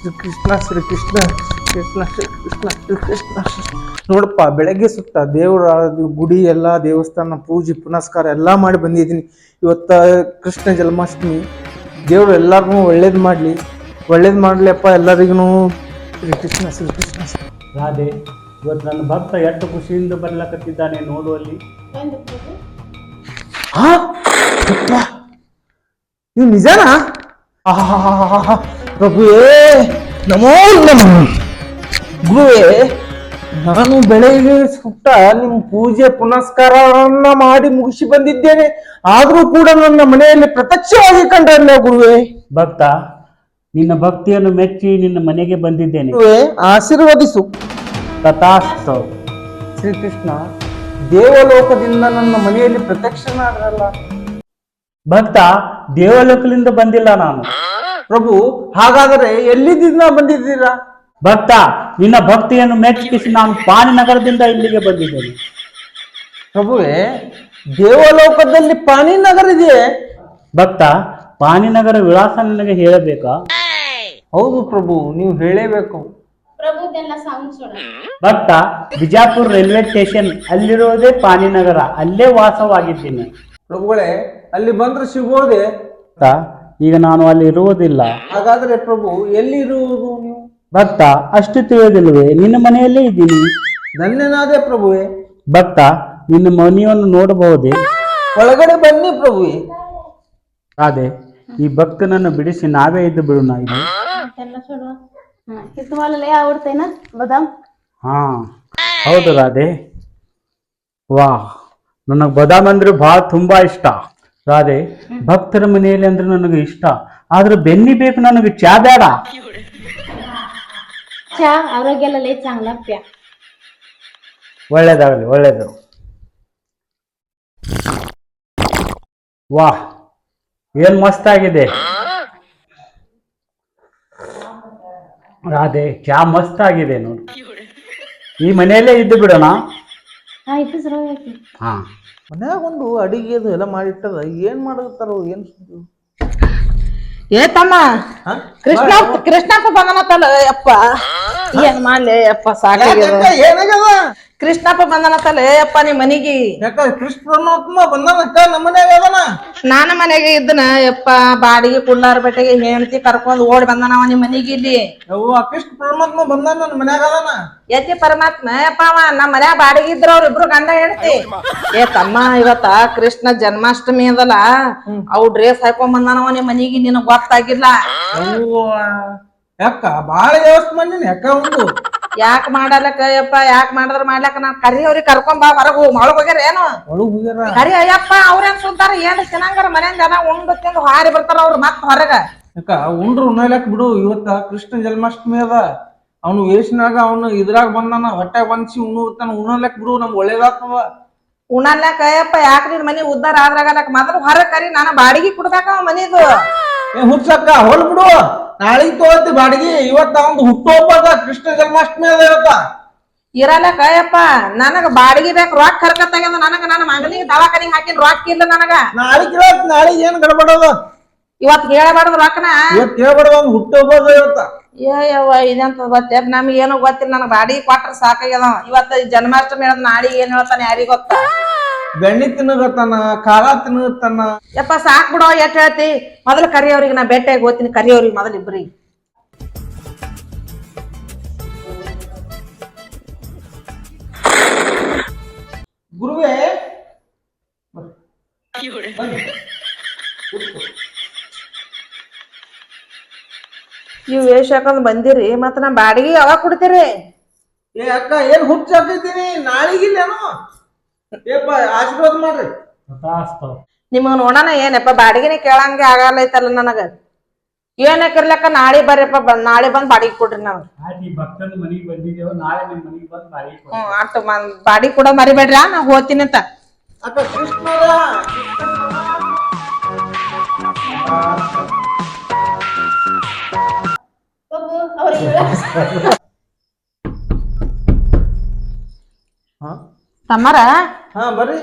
ಶ್ರೀ ಕೃಷ್ಣ ಕೃಷ್ಣ ಶ್ರೀ ಕೃಷ್ಣ ಶ್ರೀ ಕೃಷ್ಣ ನೋಡಪ್ಪ, ಬೆಳಗ್ಗೆ ಸುತ್ತ ದೇವರ ಗುಡಿ ಎಲ್ಲ ದೇವಸ್ಥಾನ ಪೂಜೆ ಪುನಸ್ಕಾರ ಎಲ್ಲ ಮಾಡಿ ಬಂದಿದ್ದೀನಿ. ಇವತ್ತ ಕೃಷ್ಣ ಜನ್ಮಾಷ್ಟಮಿ. ದೇವರು ಎಲ್ಲರಿಗೂ ಒಳ್ಳೇದು ಮಾಡಲಿಪ್ಪ ಎಲ್ಲರಿಗೂ. ಶ್ರೀ ಕೃಷ್ಣ ಶ್ರೀ ಕೃಷ್ಣ. ರಾಧೆ, ಇವತ್ತು ನನ್ನ ಭಕ್ತ ಎಷ್ಟು ಖುಷಿಯಿಂದ ಬರ್ಲಕತ್ತಿದ್ದಾನೆ ನೋಡುವಲ್ಲಿ. ನೀವು ನಿಜನಾ? ಪ್ರಭುವೇ ನಮೋ ನಮಃ. ಗುರುವೇ, ನಾನು ಬೆಳಗ್ಗೆ ಸುತ್ತ ನಿಮ್ಮ ಪೂಜೆ ಪುನಸ್ಕಾರವನ್ನ ಮಾಡಿ ಮುಗಿಸಿ ಬಂದಿದ್ದೇನೆ. ಆದರೂ ಕೂಡ ನನ್ನ ಮನೆಯಲ್ಲಿ ಪ್ರತ್ಯಕ್ಷವಾಗಿ ಕಂಡಲ್ಲ ಗುರುವೇ. ಭಕ್ತ, ನಿನ್ನ ಭಕ್ತಿಯನ್ನು ಮೆಚ್ಚಿ ನಿನ್ನ ಮನೆಗೆ ಬಂದಿದ್ದೇನೆ. ಗುರುವೇ, ಆಶೀರ್ವದಿಸು. ತಥಾಸ್ತು. ಶ್ರೀಕೃಷ್ಣ, ದೇವಲೋಕದಿಂದ ನನ್ನ ಮನೆಯಲ್ಲಿ ಪ್ರತ್ಯಕ್ಷನಾಗಲ್ಲ. ಭಕ್ತ, ದೇವಲೋಕದಿಂದ ಬಂದಿಲ್ಲ ನಾನು. ಪ್ರಭು, ಹಾಗಾದರೆ ಎಲ್ಲಿಂದ ಬಂದಿದ್ದೀರಾ? ಭಕ್ತ, ನಿನ್ನ ಭಕ್ತಿಯನ್ನು ಮೆಚ್ಚಿಸಿ ನಾನು ಪಾಣಿನಗರದಿಂದ ಇಲ್ಲಿಗೆ ಬಂದಿದ್ದೇನೆ. ಪ್ರಭುವೇ, ದೇವಲೋಕದಲ್ಲಿ ಪಾಣಿನಗರ ಇದೆಯೇ? ಭಕ್ತ, ಪಾಣಿನಗರ ವಿಳಾಸ ನಿನಗೆ ಹೇಳಬೇಕಾ? ಹೌದು ಪ್ರಭು, ನೀವು ಹೇಳೇಬೇಕು. ಭಕ್ತ, ಬಿಜಾಪುರ ರೈಲ್ವೆ ಸ್ಟೇಷನ್ ಅಲ್ಲಿರುವುದೇ ಪಾಣಿನಗರ, ಅಲ್ಲೇ ವಾಸವಾಗಿದ್ದೀನಿ. ಪ್ರಭುಗಳೇ, ಅಲ್ಲಿ ಬಂದ್ರೆ ಸಿಗೋದೆ? ಈಗ ನಾನು ಅಲ್ಲಿ ಇರುವುದಿಲ್ಲ. ಹಾಗಾದ್ರೆ ಪ್ರಭು, ಎಲ್ಲಿ ಇರುವುದು ನೀವು? ಭಕ್ತ, ಅಷ್ಟು ತಿಳಿಯೋದಿಲ್ವೇ? ನಿನ್ನ ಮನೆಯಲ್ಲೇ ಇದ್ದೀನಿ. ಧನ್ಯನಾದೆ ಪ್ರಭುವೇ. ಭಕ್ತ, ನಿನ್ನ ಮನೆಯನ್ನು ನೋಡಬಹುದೇ? ಒಳಗಡೆ ಬನ್ನಿ ಪ್ರಭುವೇ. ಅದೇ, ಈ ಭಕ್ತನನ್ನು ಬಿಡಿಸಿ ನಾವೇ ಇದ್ದು ಬಿಡೋಣ. ಹಾ, ಹೌದು ರಾಧೆ. ವಾ, ನನಗೆ ಬದಾಮ್ ಅಂದ್ರೆ ತುಂಬಾ ಇಷ್ಟ. ರಾಧೆ, ಭಕ್ತರ ಮನೆಯಲ್ಲಿ ಅಂದ್ರೆ ನನಗೆ ಇಷ್ಟ. ಆದ್ರೆ ಬೆನ್ನಿ ಬೇಕು, ನನಗೆ ಚಾ ಬೇಡ. ಚಾ ಆರೋಗ್याला लय चांगला प्या. ಒಳ್ಳೇದಾಗಲಿ, ಒಳ್ಳೇದು. ವಾಹ್, ಏನ್ ಮಸ್ತ್ ಆಗಿದೆ ರಾಧೆ, ಚಾ ಮಸ್ತ್ ಆಗಿದೆ ನೋಡು. ಈ ಮನೆಯಲ್ಲೇ ಇದ್ದು ಬಿಡೋಣ. ಹಾ, ಮನ್ಯಾಗ ಒಂದು ಅಡಿಗೆ ಅದು ಎಲ್ಲ ಮಾಡಿಟ್ಟದ. ಏನ್ ಮಾಡತ್ತಾರೋ ಏನ್ ಸುದ್ದಿ? ಏ ತಮ್ಮ, ಕೃಷ್ಣಪ್ಪ ಬಂದನತ್ತಲ್ಲ ಯಪ್ಪ. ಏನ್ ಮಾಡ್ಲಿ ಯಪ್ಪ, ಸಾಕಾಗ್ಯದ. ಏನಾಗ್ಯದ? ಕೃಷ್ಣಪ್ಪ ಬಂದನತ್ತಲ್ಲ ಯಪ್ಪ ನಿಮ್ ಮನಿಗಿ. ಯಾಕ ಕೃಷ್ಣ ಪರಮಾತ್ಮ ಬಂದನಕ್ಕ ನಮ್ಮ ಮನ್ಯಾಗ ಅದನ? ನಾನು ಮನೆಗೆ ಇದ್ದನ ಯಪ್ಪ. ಬಾಡಿಗೆ ಕುಳ್ಳಾರ ಬೆಟ್ಟೆಗೆ ಹೆಂಡತಿ ಕರ್ಕೊಂಡ್ ಓಡಿ ಬಂದನವ ನಿಮ್ ಮನಿಗೆ ಇಲ್ಲಿ. ಯವ್ವ, ಕೃಷ್ಣ ಪರಮಾತ್ಮ ಬಂದಾನ ನನ್ನ ಮನ್ಯಾಗ ಅದನ? ಯತಿ ಪರಮಾತ್ಮ ಯಪ್ಪ ಅವ ನಮ್ಮ ಮನ್ಯಾಗ ಬಾಡಿಗೆ ಇದ್ರ ಅವ್ರ ಇಬ್ರು ಗಂಡ ಹೆಂಡತಿ. ಏ ತಮ್ಮ, ಇವತ್ತ ಕೃಷ್ಣ ಜನ್ಮಾಷ್ಟಮಿ ಅದಲ್ಲ, ಅವ್ ಡ್ರೆಸ್ ಹಾಕೊಂಡ್ ಬಂದಾನವ ನಿಮ್ ಮನಿಗೆ. ನಿನಗ್ ಗೊತ್ತಾಗಿಲ್ಲ? ಯಾಕ ಬಾಳ ವ್ಯವಸ್ಥೆ ಮಾಡಿನ ಯಾಕ ಒಂದು? ಯಾಕೆ ಮಾಡಲಕ್ಕ ಯಪ್ಪ? ಯಾಕೆ ಮಾಡಿದ್ರ ಮಾಡ್ಲಕ್ಕ? ನಾನ್ ಕರಿ ಅವ್ರಿಗೆ ಕರ್ಕೊಂಡ್ ಬಾ ಹೊರಗು. ಒಳಗ್ ಹೋಗ್ಯಾರ ಏನು? ಒಳಗ್ ಹೋಗ್ಯಾರ. ಕರಿ ಅಯ್ಯಪ್ಪ, ಅವ್ರೇನ್ ಸುಂತಾರ? ಏನ್ ತಿನ್ನಂಗಾರ ಮನೆಯಿಂದ ಜನ ಉಂಡು ತಿಂದು ಹಾರಿ ಬರ್ತಾರ ಅವ್ರು ಮತ್ ಹೊರಗ. ಯಾಕ ಉಂಡ್ರು ಉಣ್ಣಲಕ್ ಬಿಡು. ಇವತ್ತ ಕೃಷ್ಣ ಜನ್ಮಾಷ್ಟಮಿ ಅದ. ಅವನು ವೇಷನಾಗ ಅವನು ಇದ್ರಾಗ ಬಂದಾನ, ಹೊಟ್ಟೆಗ್ ಬಂದ್ಸಿ ಉಣ್ಣಲಕ್ ಬಿಡು. ನಮ್ಗೆ ಒಳ್ಳೇದಾಗ್ತದ. ಉಣ್ಣಲ್ಯಾಕ ಯಪ್ಪ? ಯಾಕೆ ನಿನ್ ಮನಿ ಉದ್ದಾರ ಆದ್ರಾಗಲಕ್ ಮೊದಲು ಹೊರಗ್ ಕರಿ. ನಾನು ಬಾಡಿಗೆ ಕೊಡ್ಬೇಕ ಅವ ಮನಿದು. ಹುಚ್ಚಕ್ಕ ಹೊಲ್ ಬಿಡು. ನಾಳಿಗ್ ತಗೋತಿ ಬಾಡಿಗೆ. ಇವತ್ತ ಒಂದು ಹುಟ್ಟುಹಬ್ಬ, ಕೃಷ್ಣ ಜನ್ಮಾಷ್ಟಮಿ ಅದ ಇವತ್ತ. ಇರಲಕ್ಕ ಯಪ್ಪ, ನನಗ ಬಾಡಿಗೆ ಬೇಕು. ರೊಕ್ಕ ಕರ್ಕತ್ತಾಗ್ಯದ ನನಗ. ನನ್ನ ಮಗನಿಗೆ ದವಾಖಾನಿಗೆ ಹಾಕಿನ ರೊಕ್ಕ ಇಲ್ಲ ನನಗ. ನಾಳಿಗ್ ಏನ್ ಗಡಬಡದ? ಇವತ್ ಹೇಳಬಾರ್ದು ರೊಕ್ಕನ. ಇವತ್ ಹೇಳ್ಬಾರ್ದು, ಒಂದು ಹುಟ್ಟುಹಬ್ಬ ಇವತ್ತ. ಯವ್ವ, ಇದಂತ ಗೊತ್ತ? ನಮ್ಗೆ ಏನೋ ಗೊತ್ತಿಲ್ಲ. ನನಗ್ ಬಾಡಿಗೆ ಕೊಟ್ರ ಸಾಕಾಗ್ಯದ. ಇವತ್ತ ಜನ್ಮಾಷ್ಟಮಿ ಹೇಳದ್ ನಾಳಿಗೆ ಏನ್ ಹೇಳ್ತಾನೆ ಯಾರಿಗ ಗೊತ್ತ? ಬೆಣ್ಣೆ ತಿನ್ನಗತ್ತಾನ, ಖಾರ ತಿನ್ನಗತ್ತಾನ. ಯಪ್ಪ ಸಾಕ್ ಬಿಡೋ, ಎಷ್ಟ್ ಹೇಳ್ತಿ? ಮೊದಲು ಕರಿಯವ್ರಿಗೆ ನಾ ಭೇಟಿಯಾಗಿ ಹೋಗ್ತೀನಿ. ಕರಿಯವ್ರಿಗೆ ಮೊದಲು ಇಬ್ರಿಗೆ. ಗುರುವೇ, ಇವ್ ವೇಷ ಹಾಕೊಂಡ್ ಬಂದಿರಿ, ಮತ್ತ ನಾ ಬಾಡಿಗೆ ಯಾವಾಗ ಕೊಡ್ತೀರಿ? ಏ ಅಕ್ಕ, ಏನ್ ಹುಚ್ಚ ಹಾಕಿದ್ದೀನಿ? ನಾಳಿಗಿಲ್ಲೇನು? ಏಪ್ಪ ಆಶೀರ್ವಾದ ಮಾಡ್ರಿ. ನಿಮಗ್ ನೋಡೋಣ ಏನಪ್ಪ, ಬಾಡಿಗೆನೆ ಕೇಳಂಗೆ ಆಗಲ್ಲೈತಲ್ಲ ನನಗ. ಏನಕ್ಕಿರ್ಲಕ್ಕ ನಾಳೆ ಬರ್ರಿಪ್ಪ. ನಾಳೆ ಬಂದ್ ಬಾಡಿಗೆ ಕೊಡ್ರಿ ನನಗ. ಅಷ್ಟು ಬಾಡಿಗೆ ಕೂಡ ಮರಿಬೇಡ್ರಿ. ನಾ ಹೋಗ್ತೀನಿ ಅಂತ. ಅಕ್ಕ ಕೃಷ್ಣ तम्मारा हा बरे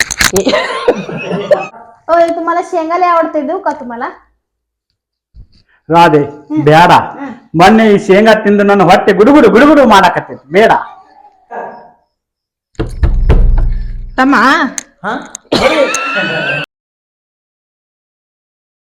ओय तुम्हाला शेंगाले आवडते देऊ का तुम्हाला राधे बेड़ा ಮೊನ್ನೆ ಈ ಶೇಂಗಾ ತಿಂದು ನನ್ನ ಹೊಟ್ಟೆ ಗುಡುಗುಡು ಗುಡುಗುಡು ಮಾಡಾಕತ್ತೈತಿ ಬೇಡ. ತಮ್ಮ ಹಾ